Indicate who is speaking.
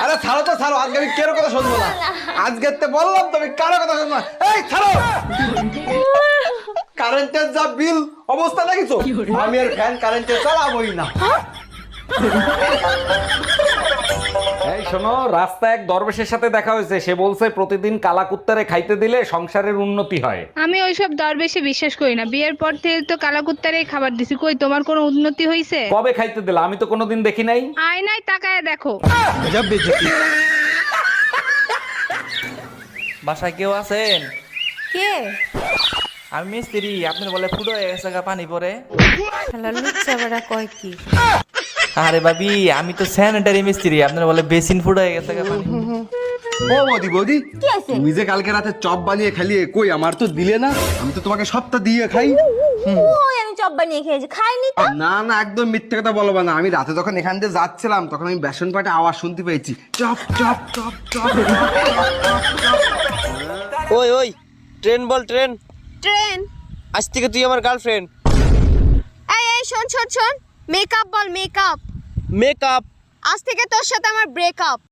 Speaker 1: আরে ছাড়ো তো ছাড়ো, আজকে আমি কারো কথা শুনবো না। আজকে তো বললাম তুমি কারো কথা শুনবো না। এই ছাড়ো, কারেন্টের যা বিল অবস্থা দেখিছো, আমি আর ফ্যান কারেন্টে চালাবোই না।
Speaker 2: এই শোনো, রাস্তায় এক দরবেশের সাথে দেখা হয়েছে। সে বলছে প্রতিদিন কালা কুত্তারে খাইতে দিলে সংসারের উন্নতি হয়।
Speaker 3: আমি ওইসব দরবেশে বিশ্বাস করি না। বিয়ের পর থেকে তো কালাকুত্তারেই খাবার দিছি, কই তোমার কোনো উন্নতি হইছে?
Speaker 2: কবে খাইতে দিলে? আমি তো কোনোদিন দেখি নাই।
Speaker 3: আয়নায় তাকায় দেখো।
Speaker 4: বাসায় কেউ আছেন?
Speaker 5: কে?
Speaker 4: আমি মিস্ত্রি, আপনার বলে ফুটো হয়ে গেছে গা পানি পরে।
Speaker 5: শালা লুচ্চা বেড়া কয় কি?
Speaker 4: আরে ভাবি, আমি তো স্যানিটারি মিস্ত্রি, আপনার বলে বেসিন ফুটো হয়ে গেছে গা পানি।
Speaker 1: ও বৌদি বৌদি,
Speaker 5: কি আছে?
Speaker 1: তুমি যে কালকে রাতে চপ বানিয়ে খালিয়ে, কই আমার তো দিলে না? আমি তো তোমাকে সপ্তাহ দিয়ে খাই।
Speaker 5: ওই আমি চপ বানিয়ে খেয়েছি, খাইনি তো।
Speaker 1: না না, একদম মিথ্যে কথা বলবো না। আমি রাতে যখন এখান দিয়ে যাচ্ছিলাম তখন আমি বেসন পাটে আওয়াজ শুনতে পেয়েছি, চপ চপ চপ চপ।
Speaker 6: ওই ওই, ট্রেন বল ট্রেন।
Speaker 5: ট্রেন?
Speaker 6: আজ থেকে তুই আমার গার্লফ্রেন্ড।
Speaker 5: এই এই শোন শোন শোন, মেকআপ বল মেকআপ।
Speaker 6: মেকআপ?
Speaker 5: আজ থেকে তোর সাথে আমার ব্রেকআপ।